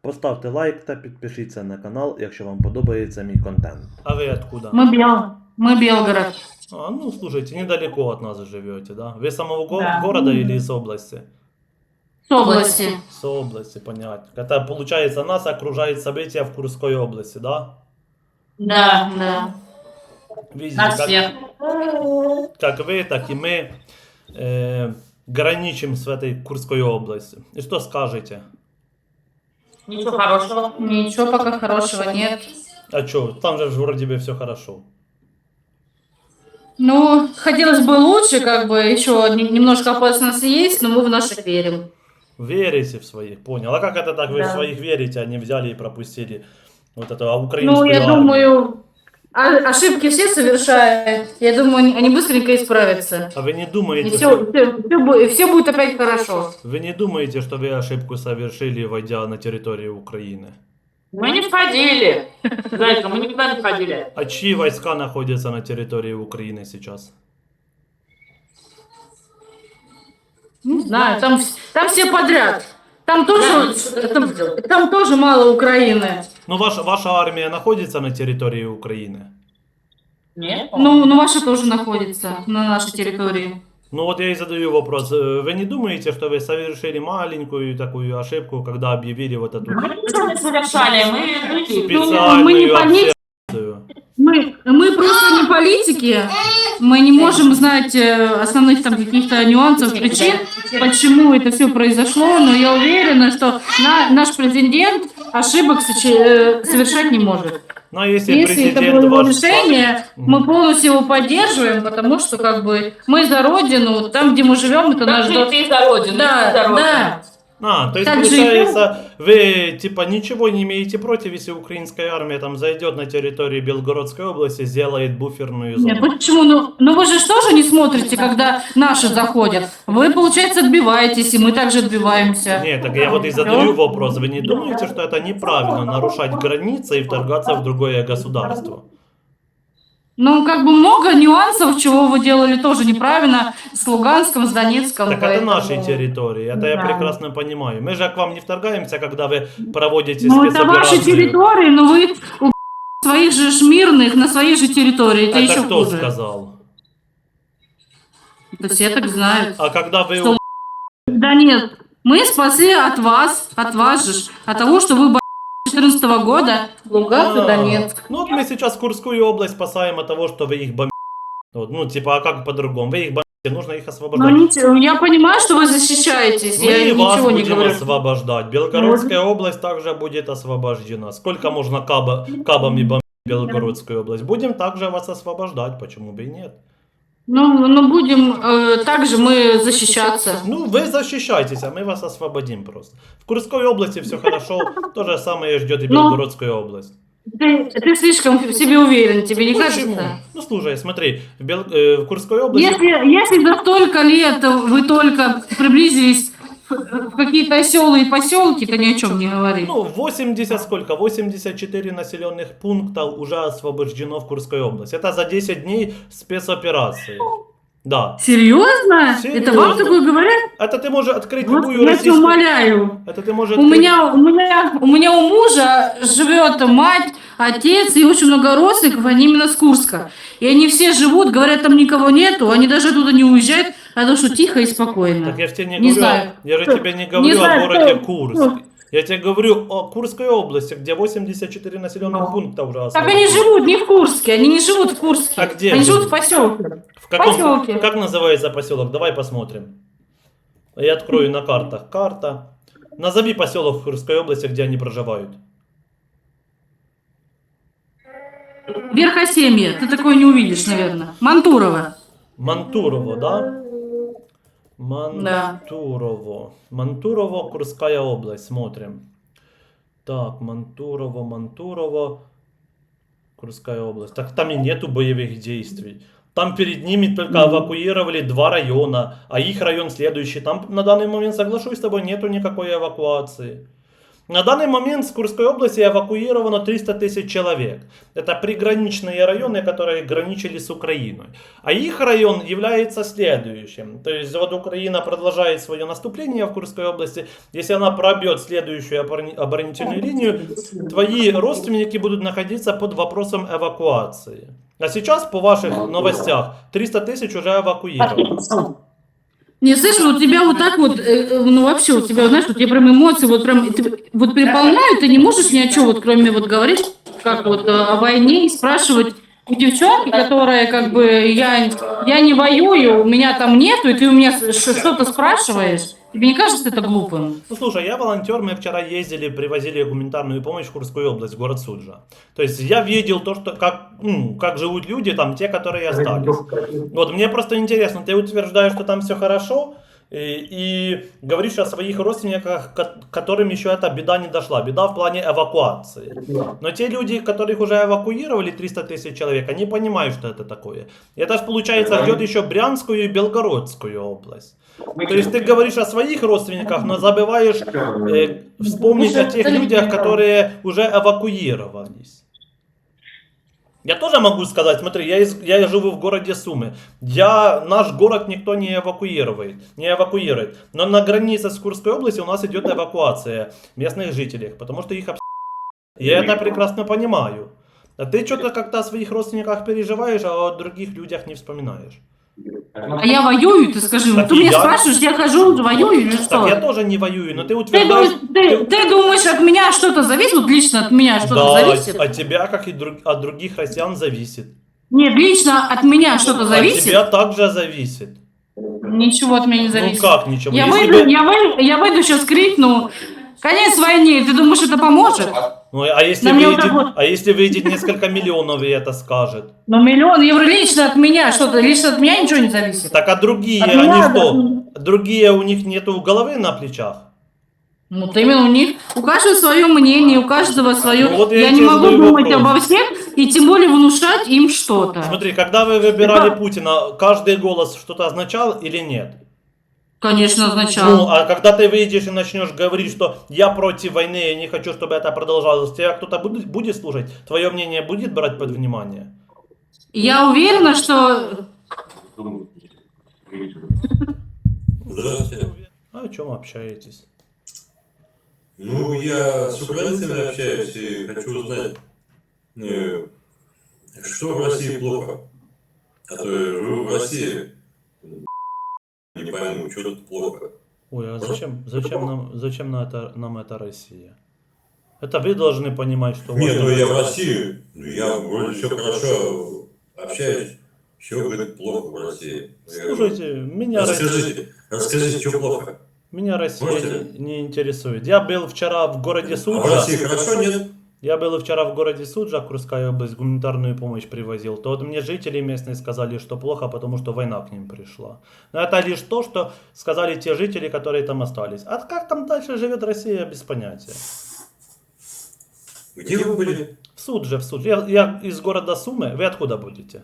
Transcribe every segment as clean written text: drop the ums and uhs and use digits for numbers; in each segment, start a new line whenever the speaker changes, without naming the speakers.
Поставте лайк та підпишіться на канал, якщо вам подобається мій контент. А ви откуда?
Мы Белгород.
А, ну, слушайте, недалеко от нас живете, да? Вы с самого
Да.
города или из области?
С области.
С области, понятно. Это, получается, нас окружает события в Курской области, да?
Да, да.
Видите,
Нас всех.
как вы, так и мы граничим с этой Курской областью. И что скажете?
Ничего хорошего. Ничего пока хорошего нет.
А что, там же вроде бы все хорошо.
Ну, хотелось бы лучше, как бы, еще немножко опасности есть, но мы в наших верим.
Верите в своих, понял. А как это так, вы в
Да.
своих верите, а не взяли и пропустили вот эту украинскую
Ну, я
армию?
думаю, ошибки все совершают. Я думаю, они быстренько исправятся.
А вы не
И
думаете,
все будет опять хорошо.
вы не думаете, что вы ошибку совершили, войдя на территорию Украины?
Мы не входили. Зайка, мы никуда не входили.
А чьи войска находятся на территории Украины сейчас?
Не знаю, там все подряд. Там тоже мало Украины.
Ну, ваша армия находится на территории Украины?
Нет. Ну, ваша тоже находится на нашей территории.
Ну вот я и задаю вопрос. Вы не думаете, что вы совершили маленькую такую ошибку, когда объявили вот эту
Мы ничего не совершали,
специальную
мы не политики.
операцию?
Мы просто не политики. Мы не можем знать основных там каких-то нюансов, причин, почему это все произошло, но я уверена, что наш президент ошибок совершать не может.
Ну, а если
Если это
президент
было его
ваш...
решение, мы полностью его поддерживаем, потому что как бы мы за родину, там, где мы живем, это наш дом.
Ты за родину,
Да,
ты за родину.
да.
А, то есть,
Так
получается, вы, типа, ничего не имеете против, если украинская армия там зайдет на территорию Белгородской области, сделает буферную зону?
Нет, почему? Ну вы же тоже не смотрите, когда наши заходят. Вы, получается, отбиваетесь, и мы также отбиваемся.
Нет, так я вот и задаю вопрос. Вы не думаете, что это неправильно, нарушать границы и вторгаться в другое государство?
Ну, как бы много нюансов, чего вы делали тоже неправильно с Луганском, с Донецком.
Так это наши территории, это я
Да.
прекрасно понимаю. Мы же к вам не вторгаемся, когда вы проводите
Ну, это ваши
спецоперацию.
территории, но вы у своих же мирных на своей же территории. Это
Это
еще
кто
хуже.
сказал?
Это все так знают.
А когда вы...
Что Да нет, мы спасли от вас же, от того, что вы 2014 года Луганск и Донецк.
Ну вот мы сейчас Курскую область спасаем от того, что вы их бомбите. Вот, ну типа, а как по-другому? Вы их бомбите, нужно их
Но
освобождать.
ничего, я понимаю, что вы защищаетесь,
Мы
я
и вас
ничего не
будем
говорю.
освобождать. Белгородская область также будет освобождена. Сколько можно кабами бомбить Белгородскую область? Будем также вас освобождать, почему бы и нет?
Ну будем также мы защищаться.
Ну, вы защищайтесь, а мы вас освободим просто. В Курской области все хорошо, то же самое ждет и Белгородскую область.
Ты слишком в себе уверен, тебе не
Почему?
кажется?
Ну, слушай, смотри, в Курской области...
Если за столько лет вы только приблизились в какие-то селы и поселки, то ни о чем не говори.
Ну, 80 сколько? 84 населенных пункта уже освобождено в Курской области. Это за 10 дней спецоперации. Да.
Серьезно?
Серьезно.
Это вам такое говорят?
Это ты можешь открыть
Вот
любую
я тебя
российскую...
умоляю.
Это ты можешь
У
открыть...
меня у мужа живет мать, отец и очень много родственников, они именно с Курска. И они все живут, говорят, там никого нету, они даже оттуда не уезжают, потому что тихо и спокойно.
Так я же тебе не
Не
говорю,
знаю.
я же тебе не говорю о
знаю,
городе
кто-
Курск. Я тебе говорю о Курской области, где 84 населенных пункта уже
Так
освобождено.
они живут не в Курске, они не живут в Курске.
А где
Они
живут?
живут в поселке.
В каком...
Поселке.
Как называется поселок? Давай посмотрим. Я открою на картах. Карта. Назови поселок в Курской области, где они проживают.
Верхосемье, ты такое не увидишь, наверное. Мантурово.
Мантурово, да? Мантурово. Мантурово, Курская область. Смотрим. Так, Мантурово. Курская область. Так там и нету боевых действий. Там перед ними только эвакуировали 2 района, а их район следующий. Там на данный момент, соглашусь с тобой, нету никакой эвакуации. На данный момент с Курской области эвакуировано 300 тысяч человек. Это приграничные районы, которые граничили с Украиной. А их район является следующим. То есть вот Украина продолжает свое наступление в Курской области. Если она пробьет следующую оборонительную линию, твои родственники будут находиться под вопросом эвакуации. А сейчас, по ваших новостях, 300 тысяч уже эвакуировано.
Не, слышь, у тебя вот так вот, ну вообще у тебя, знаешь, у тебя прям эмоции вот прям вот переполняют, ты не можешь ни о чем, вот кроме вот говорить, как вот о войне и спрашивать у девчонки, которая как бы я не воюю, у меня там нету, и ты у меня что-то спрашиваешь. Тебе не кажется это глупым?
Ну слушай, я волонтер, мы вчера ездили, привозили гуманитарную помощь в Курскую область, город Суджа. То есть я видел то, что как живут люди там, те, которые остались. Вот мне просто интересно, ты утверждаешь, что там все хорошо, и говоришь о своих родственниках, которым еще эта беда не дошла. Беда в плане эвакуации. Но те люди, которых уже эвакуировали, 300 тысяч человек, они понимают, что это такое. И это же, получается, ждет еще Брянскую и Белгородскую область. То есть ты говоришь о своих родственниках, но забываешь вспомнить о тех людях, которые уже эвакуировались. Я тоже могу сказать, смотри, я живу в городе Сумы. Наш город никто не эвакуирует. Но на границе с Курской областью у нас идет эвакуация местных жителей, потому что их Я это прекрасно понимаю. А ты что-то как-то о своих родственниках переживаешь, а о других людях не вспоминаешь.
А я воюю, ты скажи.
Так
Ты
и
меня
я.
спрашиваешь, я хожу, воюю или что?
Так я тоже не воюю, но ты
Ты
утверждаешь...
ты думаешь, от меня что-то зависит? Вот лично от меня что-то
Да,
зависит?
от тебя, как и от других россиян, зависит.
Нет, лично от меня что-то
От
зависит?
тебя также зависит.
Ничего от меня не зависит.
Ну как ничего?
Я
Если
выйду,
бы-
я выйду сейчас крикну, конец войне, ты думаешь, это поможет?
Ну, а если,
На мне вот
выйдет,
так вот.
а если выйдет несколько миллионов и это скажет?
Но миллион евро лично от меня, что-то, лично от меня ничего не зависит.
Так а другие,
От
они
меня,
что? Другие, у них нету головы на плечах?
Ну, вот именно у них, у каждого свое мнение, у каждого свое.
Ну, вот я
я
и
не
тебе
могу
задаю
думать
вопрос.
обо всех и тем более внушать им что-то.
Смотри, когда вы выбирали Путина, каждый голос что-то означал или нет?
Конечно, означало.
Ну, а когда ты выйдешь и начнешь говорить, что я против войны, я не хочу, чтобы это продолжалось, тебя кто-то будет слушать? Твое мнение будет брать под внимание?
Я уверена, что...
Здравствуйте.
А о чем общаетесь?
Ну, я с украинцами общаюсь и хочу узнать, что в России плохо. А то я живу в России, не пойму, что тут плохо.
Ой, а зачем нам это Россия? Это вы должны понимать, что...
Нет, ну я в России, я вроде все хорошо общаюсь, все, говорит, плохо в России. Я говорю,
Слушайте, меня
расскажите, что плохо.
Меня Россия
Можете?
не интересует. Я был вчера в городе
А в
Суджа.
России хорошо, нет?
Я был вчера в городе Суджа, Курская область, гуманитарную помощь привозил. То вот мне жители местные сказали, что плохо, потому что война к ним пришла. Но это лишь то, что сказали те жители, которые там остались. А как там дальше живет Россия, без понятия.
Где вы были?
В Судже. Я из города Сумы. Вы откуда будете?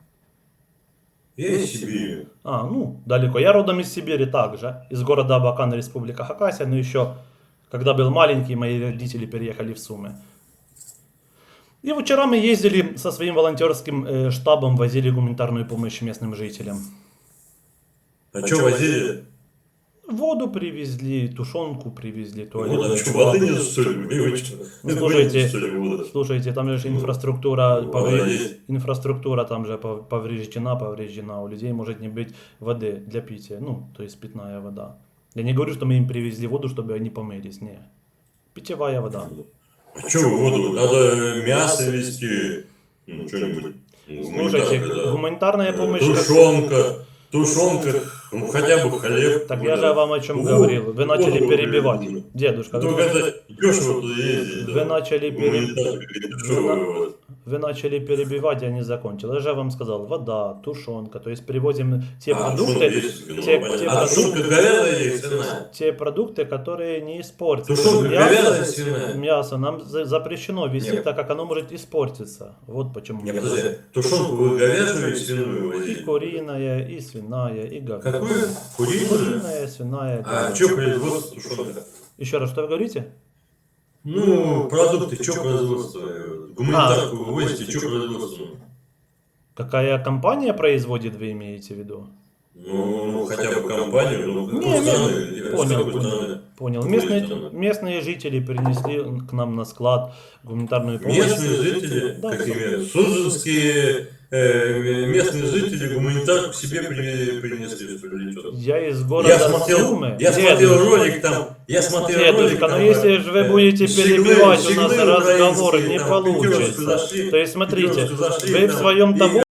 Я из Сибири.
А, ну, далеко. Я родом из Сибири также. Из города Абакан, Республика Хакасия. Но еще, когда был маленький, мои родители переехали в Сумы. И вчера мы ездили со своим волонтерским штабом, возили гуманитарную помощь местным жителям.
А что возили?
Воду привезли, тушенку привезли,
Вот,
туалет.
а что, воды нет, что ли? Привычно.
Ну, слушайте,
Что ли, вода?
Слушайте, там же инфраструктура,
Вода есть.
инфраструктура там же повреждена, у людей может не быть воды для питья, ну, то есть питная вода. Я не говорю, что мы им привезли воду, чтобы они помылись, не. Питьевая вода.
А что воду? Надо мясо везти, ну, что-нибудь.
Слушайте, гуманитарная помощь...
Тушенка, ну, хотя бы хлеб.
Так я же вам о чем говорил. Вы начали
воду
перебивать.
привезли.
Дедушка,
Только это дешево туда ездить.
вы начали
Дешево.
Вы начали перебивать, я не закончил. Я же вам сказал, вода, тушенка, то есть привозим те продукты,
тушенка говяжья или свиная?
те продукты, которые не испортятся.
Тушенка говяжья, свиная?
Мясо нам запрещено везти,
Нет.
так как оно может испортиться. Вот почему.
Не, подожди, тушенку вы говяжью или свиную
И
возили?
куриная, и свиная, и говяжья.
Какую? Куриную?
Куриная, свиная,
А
говяжья.
что производство тушенка?
Еще раз, что вы говорите?
Ну, продукты, что производство? Гуманитарку вывозите, что производство?
Какая компания производит, вы имеете в виду?
Ну, хотя бы компанию, ну,
Не,
какой страны, с
понял,
какой
понял.
страны?
Понял.
Какой
Местные,
страны?
местные жители принесли к нам на склад гуманитарную помощь.
Местные жители,
Да,
какие суджинские местные жители гуманитарку себе принесли, что ли, что-то.
Я из города Сумы.
Я смотрел ролик там,
Дедушка, но
там,
если же вы будете перебивать у нас
щеглы
разговор,
украинские,
не
там, в пятерочку
получится.
зашли,
То есть, смотрите,
в пятерочку зашли,
вы в
там,
своем
и-
того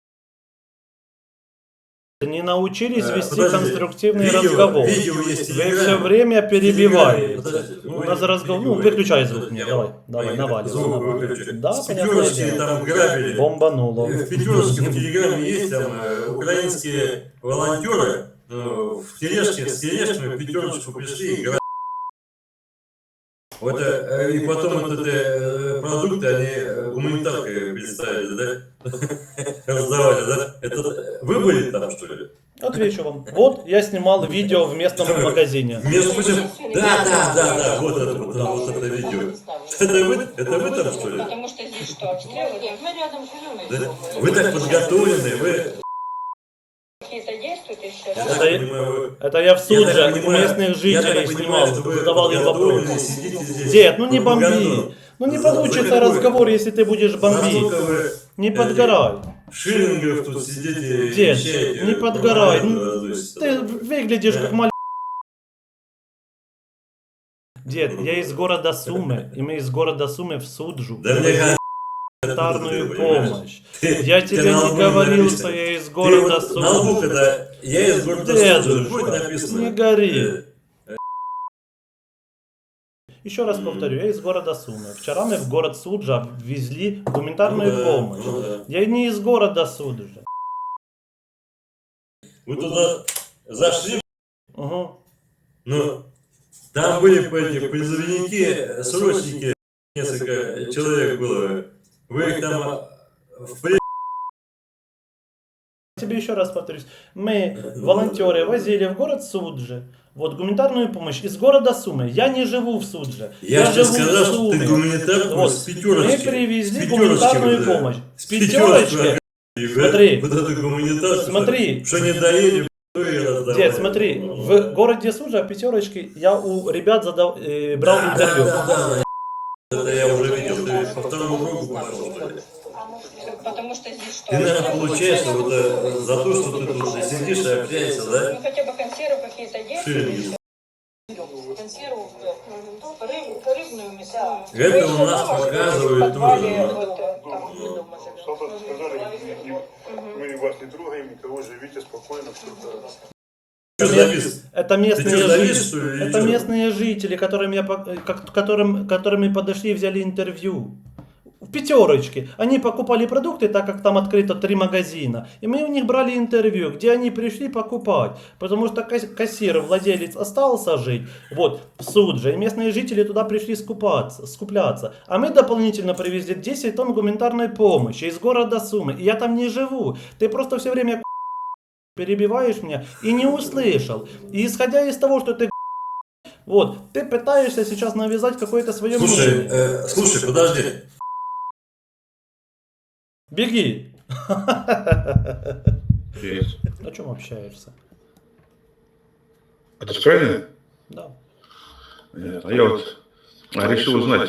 не научились вести
подожди,
конструктивный разговор.
Видео есть,
Вы
телеграмма.
все время перебиваете.
Подождите,
У нас разговор. Ну, выключай звук мне. Давай, наваливай.
Звук выключи.
Да,
С
понятное
пятерочки
дело.
там грабили.
Бомбануло.
В пятерочке в телеграме есть там украинские волонтеры в тележке с тележками в пятерочку пришли и грабили. Вот, и потом вот эти продукты они гуманитаркой представили, да? Раздавали, да? Это вы были там, что ли?
Отвечу вам. Вот я снимал видео в местном магазине.
Между прочим, да, вот это видео. Это вы там, что ли?
Потому что здесь что, обстрелы? Нет, мы рядом живем.
Да? Вы так подготовлены, вы...
Какие-то действуют еще,
Я
да?
так понимаю,
Это я в
я
суд
так
же
понимаю,
местных
я
жителей
так понимаю,
снимал,
что вы
задавал им
подготовлены,
вопросы.
сидите здесь.
Дед, ну не бомби.
Пропаганду.
Ну не
За
получится
какое?
разговор, если ты будешь
За
бомбить.
сколько вы
Не подгорай.
шиллингов тут сидите и
Дед,
вещаете,
не подгорай.
пропаганду
Ну,
разносите.
ты выглядишь
Да.
как маленький. Дед, я из города Сумы, и мы из города Сумы в Суджу.
Да мне
Гуманитарную
понимаешь?
помощь. Я тебе
на
не
лбу
говорил,
написано.
что я из
Ты
города
вот на лбу,
Сумы.
когда я из города Суджи, будет
Дедушка,
написано.
не гори.
э,
Еще раз повторю, я из города Сумы. Вчера мы в город Суджа везли гуманитарную
ну да,
помощь.
ну да.
Я не из города Суджа.
Вы туда зашли,
Угу.
ну, там были эти призывники, срочники, несколько человек было. Вы их там в плен...
Тебе еще раз повторюсь. Мы, волонтеры, возили в город Суджи. Вот гуманитарную помощь из города Сумы. Я не живу в Судже.
Я же тебе
живу в
сказал, что
Суме.
ты гуманитарку
Вот.
с пятерочки.
Мы привезли
С
гуманитарную
пятерочки,
помощь. С
пятерочки.
пятерочки. Смотри.
Вот эту гуманитарку.
Смотри.
Что не доели, то и раздавали.
Дед, смотри, в городе Суджа пятерочки я у ребят брал интервью.
Да. Это я уже видел, ты по второму кругу пошел, что ли?
Потому что здесь что?
Ты, наверное,
обстрелы?
получаешь вот за то, что ты тут сидишь и общаешься,
Ну
да?
хотя бы консервы какие-то
Шиллинги.
есть? Консерву, рыбную, мясную.
Это у нас показывают тоже.
Вот, там, дома
Что
живем.
сказали, мы вас не трогаем, никого, живите спокойно.
Что завис?
Это
Ты
местные
что, завис,
жители.
что ли, или
Это
что?
местные жители, которыми подошли и взяли интервью. В пятерочке. Они покупали продукты, так как там открыто 3 магазина. И мы у них брали интервью, где они пришли покупать. Потому что кассир, владелец остался жить. Вот, в Судже. И местные жители туда пришли скупляться. А мы дополнительно привезли 10 тонн гуманитарной помощи из города Сумы. И я там не живу. Ты просто все время перебиваешь меня и не услышал. И исходя из того, что ты вот, ты пытаешься сейчас навязать какое-то свое
Слушай,
мнение.
слушай, подожди.
Беги.
Есть.
О чем общаешься?
Это же правильно?
Да.
Нет. А я вот решил узнать,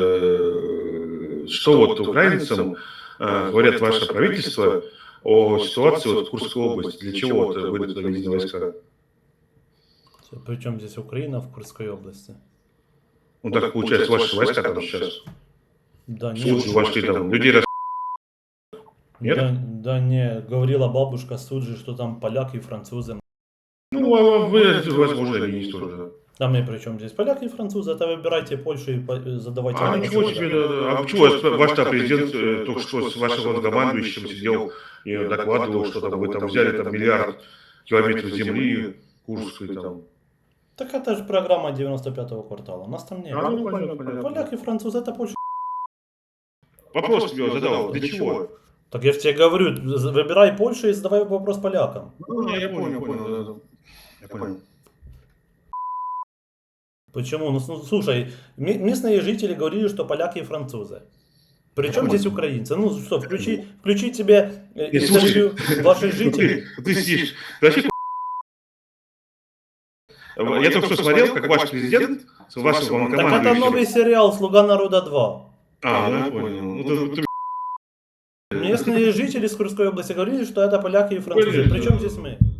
что вот украинцам говорят ваше правительство о ситуации вот в Курской области. Для чего вот вы туда везли войска?
Причем здесь Украина в Курской области?
Ну так получается, ваши войска там сейчас.
Да
В
не,
Суджу вошли там. Людей Нет?
да не, говорила бабушка Суджи, что там поляки и французы.
Ну, а вы, возможно, и не тоже.
А мы при чем здесь? Поляки и французы, это выбирайте Польшу и задавайте
А
вопросы.
ничего себе, да. А почему ваш там президент только что с вашим командующим сидел и докладывал, что там вы там взяли там миллиард километров земли, Курской там.
Так это же программа 95-го квартала, нас там нет.
Ну, понятно.
Поляки и французы, это Польша.
Вопрос тебе задал, для чего?
Так я же тебе говорю, выбирай Польшу и задавай вопрос полякам.
Ну, я понял. Я понял.
Почему? Ну, слушай, местные жители говорили, что поляки и французы. Причем здесь украинцы? Ну что, включи тебе интервью ваших жителей.
Ты сидишь, ты вообще я только что смотрел, как ваш президент с вашим
Так это
командующим.
новый сериал «Слуга народа 2».
А, ну я понял. Ну, ты
Местные жители с Курской области говорили, что это поляки и французы. Причем здесь мы?